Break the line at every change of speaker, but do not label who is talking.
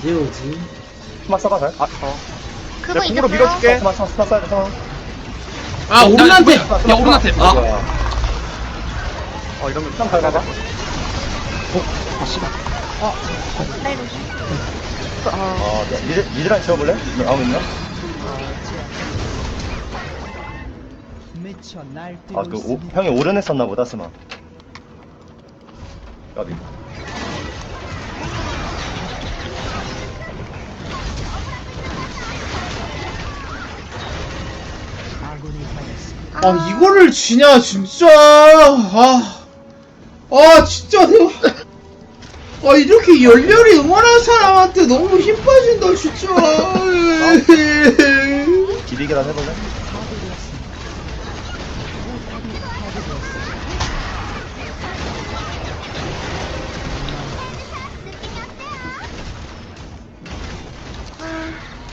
언제 오지?
스마 써봐 잘.
그거
내가 공으로
이겼어요?
밀어줄게.
스마 써야 돼. 스마.
아, 오른한테!
스마,
야, 오른한테! 아,
이러면
좀 밟아봐.
네, 로시.
미드랑 지워볼래? 나오면요? 형이 오른 했었나 보다, 스마. 까비.
아 이거를 지냐 진짜. 진짜 내가 이렇게 열렬히 응원한 사람한테 너무 힘 빠진다 진짜.
기비 계단 해볼래?